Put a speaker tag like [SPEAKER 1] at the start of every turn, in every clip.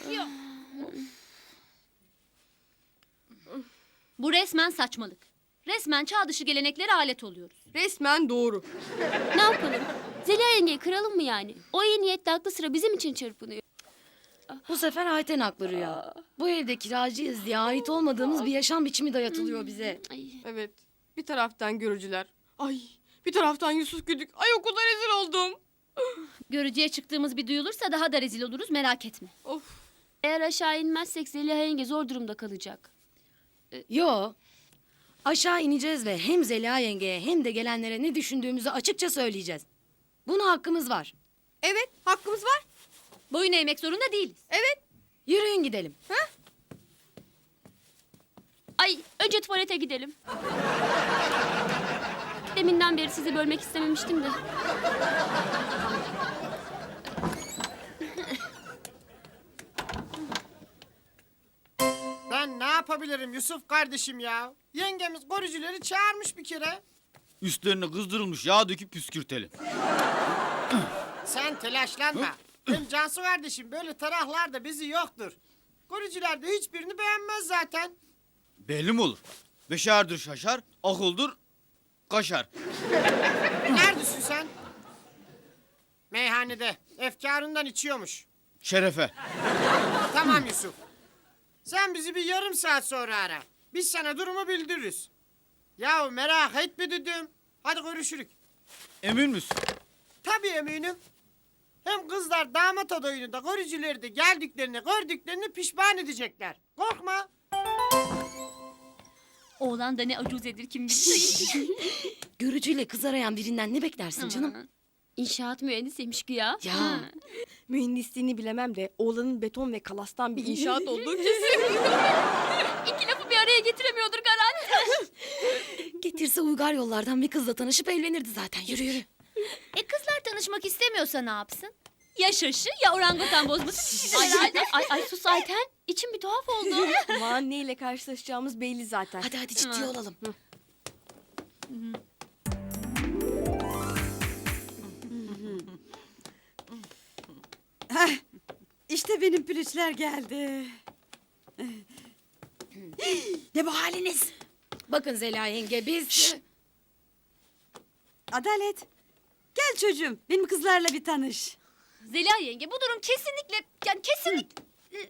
[SPEAKER 1] Yok. Bu resmen saçmalık. Resmen çağ dışı geleneklere alet oluyoruz.
[SPEAKER 2] Resmen doğru.
[SPEAKER 3] Ne yapalım? Zeliha yengeyi kıralım mı yani? O iyi niyetli aklı sıra bizim için çırpınıyor.
[SPEAKER 4] Bu sefer Ayten haklı Rüya. Bu evde kiracıyız diye ait olmadığımız bir yaşam biçimi dayatılıyor bize.
[SPEAKER 3] Ay.
[SPEAKER 2] Evet. Bir taraftan görücüler. Ay. Bir taraftan Yusuf Güdük. Ay okulda rezil oldum.
[SPEAKER 1] Görücüye çıktığımız bir duyulursa daha da rezil oluruz, merak etme.
[SPEAKER 2] Of.
[SPEAKER 3] Eğer aşağı inmezsek Zeliha yenge zor durumda kalacak.
[SPEAKER 4] Yo. Aşağı ineceğiz ve hem Zeliha yengeye hem de gelenlere ne düşündüğümüzü açıkça söyleyeceğiz. Buna hakkımız var.
[SPEAKER 2] Evet, hakkımız var.
[SPEAKER 1] Boyun eğmek zorunda değiliz.
[SPEAKER 2] Evet.
[SPEAKER 4] Yürüyün gidelim.
[SPEAKER 3] Ay önce tuvalete gidelim. Deminden beri sizi bölmek istememiştim de.
[SPEAKER 5] Ben ne yapabilirim Yusuf kardeşim ya? Yengemiz koruyucuları çağırmış bir kere.
[SPEAKER 6] Üstlerine kızdırılmış yağ döküp püskürtelim.
[SPEAKER 5] Sen telaşlanma. Hem Cansu kardeşim böyle tarahlarda bizi yoktur. Koruyucular da hiçbirini beğenmez zaten.
[SPEAKER 6] Belli mi olur? Beşerdir şaşar, akıldır kaşar.
[SPEAKER 5] Neredesin sen? Meyhanede. Efkarından içiyormuş.
[SPEAKER 6] Şerefe.
[SPEAKER 5] Tamam Yusuf. Sen bizi bir yarım saat sonra ara. Biz sana durumu bildiririz. Yahu merak etme dedim. Hadi görüşürük.
[SPEAKER 6] Emin misin?
[SPEAKER 5] Tabii eminim. Hem kızlar damat adayını görücüleri de geldiklerini gördüklerini pişman edecekler. Korkma.
[SPEAKER 1] Oğlan da ne acuzedir kim bilir.
[SPEAKER 4] Görücüyle kız arayan birinden ne beklersin canım?
[SPEAKER 3] İnşaat mühendisiymiş güya.
[SPEAKER 4] Ya.
[SPEAKER 2] Mühendisliğini bilemem de oğlanın beton ve kalastan bir inşaat olduğu kesin.
[SPEAKER 3] İki lafı bir araya getiremiyordur garanti.
[SPEAKER 4] Getirse uygar yollardan bir kızla tanışıp evlenirdi zaten. Yürü yürü.
[SPEAKER 1] Kızlar tanışmak istemiyorsa ne yapsın? Ya şaşı ya orangutan bozması.
[SPEAKER 3] Ay sus Ayten. İçim bir tuhaf oldu.
[SPEAKER 2] Aman neyle karşılaşacağımız belli zaten.
[SPEAKER 4] Hadi hadi ciddi olalım.
[SPEAKER 7] İşte benim pülüçler geldi. Ne bu haliniz?
[SPEAKER 4] Bakın Zeliha yenge biz...
[SPEAKER 7] Adalet. Gel çocuğum benim kızlarla bir tanış.
[SPEAKER 1] Zeliha yenge bu durum kesinlikle yani kesinlikle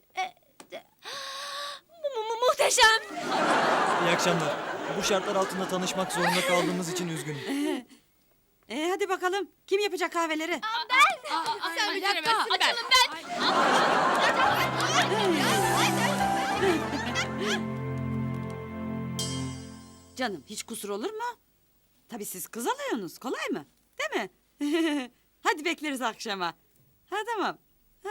[SPEAKER 1] muhteşem.
[SPEAKER 8] İyi akşamlar. Bu şartlar altında tanışmak zorunda kaldığımız için üzgünüm.
[SPEAKER 7] Hadi bakalım kim yapacak kahveleri?
[SPEAKER 1] Sen beceremezsin. Açalım ben.
[SPEAKER 7] Canım hiç kusur olur mu? Tabii siz kız alıyorsunuz kolay mı? Değil mi? Hadi bekleriz akşama. Ha tamam. Ha.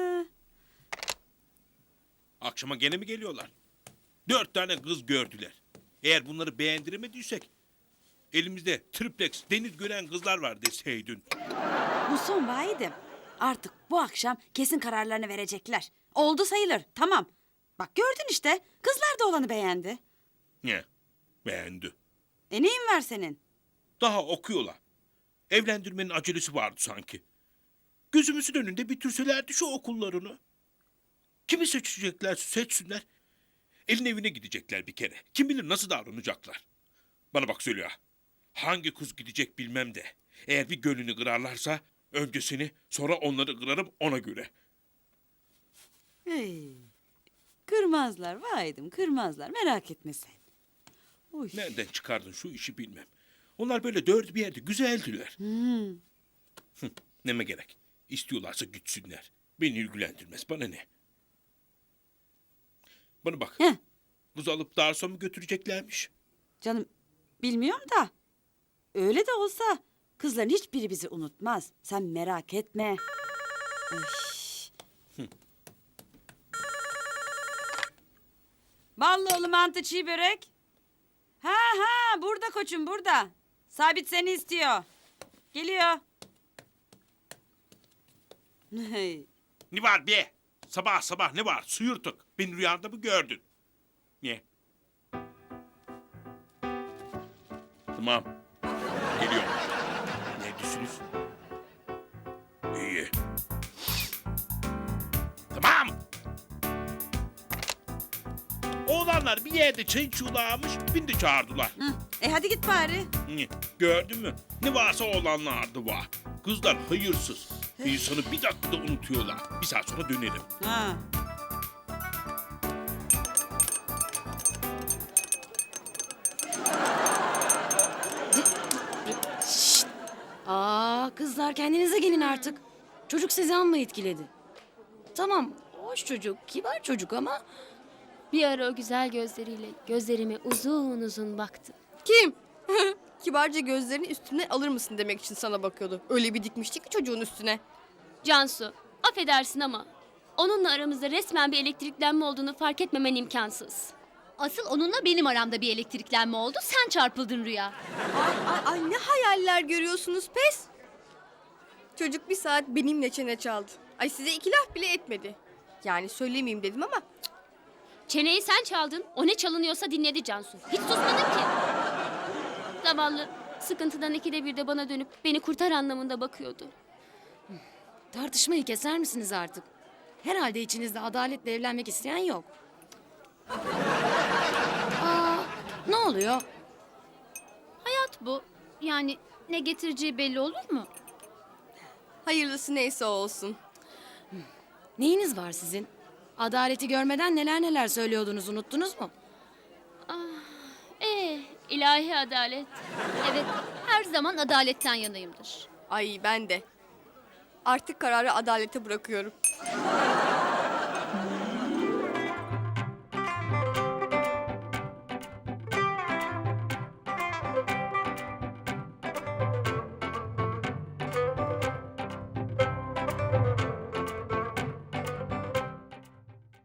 [SPEAKER 9] Akşama gene mi geliyorlar? 4 tane kız gördüler. Eğer bunları beğendiremediysek... ...elimizde triplex deniz gören kızlar var deseydin.
[SPEAKER 7] Bu son vahidim. Artık bu akşam kesin kararlarını verecekler. Oldu sayılır tamam. Bak gördün işte kızlar da olanı beğendi.
[SPEAKER 9] Ne? Beğendi.
[SPEAKER 7] Neyin var senin?
[SPEAKER 9] Daha okuyorlar. Evlendirmenin acelesi vardı sanki. Gözümüzün önünde bitirselerdi şu okullarını. Kimi seçeceklerse seçsinler. Elin evine gidecekler bir kere. Kim bilir nasıl davranacaklar. Bana bak Zeliha. Hangi kız gidecek bilmem de. Eğer bir gönlünü kırarlarsa önce seni sonra onları kırarım ona göre.
[SPEAKER 7] Hey. Kırmazlar vahidim kırmazlar merak etme sen. Uy.
[SPEAKER 9] Nereden çıkardın şu işi bilmem. Onlar böyle dört bir yerde güzeldiler. Neme gerek. İstiyorlarsa gitsinler. Beni ilgilendirmez. Bana ne? Bana bak.
[SPEAKER 7] Heh.
[SPEAKER 9] Kız alıp Darsa mı götüreceklermiş?
[SPEAKER 7] Canım bilmiyorum da öyle de olsa kızların hiçbiri bizi unutmaz. Sen merak etme. Ay. Ballıoğlu mantı çiğ börek. Ha burada koçum burada. Sabit seni istiyor. Geliyor.
[SPEAKER 9] Ne var be? Sabah sabah ne var? Suyurtuk. Beni rüyanda mı gördün? Ne? Tamam. Geliyorum. Neredesiniz? İyi. Tamam. Oğlanlar bir yerde çay içiyorlarmış, beni de çağırdılar.
[SPEAKER 7] Hı. Hadi git bari.
[SPEAKER 9] Gördün mü? Ne varsa oğlanlarda var. Kızlar hayırsız. İnsanı bir dakikada unutuyorlar. Bir saat sonra dönerim.
[SPEAKER 7] Ha.
[SPEAKER 4] Aa kızlar kendinize gelin artık. Çocuk sizi amma etkiledi. Tamam hoş çocuk, kibar çocuk ama...
[SPEAKER 3] Bir ara o güzel gözleriyle gözlerime uzun uzun baktı.
[SPEAKER 2] Kim? Kibarca gözlerini üstüne alır mısın demek için sana bakıyordu. Öyle bir dikmişti ki çocuğun üstüne.
[SPEAKER 3] Cansu, affedersin ama onunla aramızda resmen bir elektriklenme olduğunu fark etmemen imkansız.
[SPEAKER 1] Asıl onunla benim aramda bir elektriklenme oldu. Sen çarpıldın Rüya.
[SPEAKER 2] Ay ne hayaller görüyorsunuz pes. Çocuk bir saat benimle çene çaldı. Ay size iki laf bile etmedi. Yani söylemeyeyim dedim ama
[SPEAKER 3] Çeneyi sen çaldın, o ne çalınıyorsa dinledi Cansu. Hiç susmadın ki. Zavallı, sıkıntıdan ikide bir de bana dönüp beni kurtar anlamında bakıyordu.
[SPEAKER 4] Tartışmayı keser misiniz artık? Herhalde içinizde adaletle evlenmek isteyen yok. Aa, ne oluyor?
[SPEAKER 1] Hayat bu. Yani ne getireceği belli olur mu?
[SPEAKER 2] hayırlısı neyse o olsun.
[SPEAKER 4] Neyiniz var sizin? Adaleti görmeden neler neler söylüyordunuz unuttunuz mu?
[SPEAKER 3] İlahi adalet.
[SPEAKER 1] Evet, her zaman adaletten yanayımdır.
[SPEAKER 2] Ay ben de. Artık kararı adalete bırakıyorum.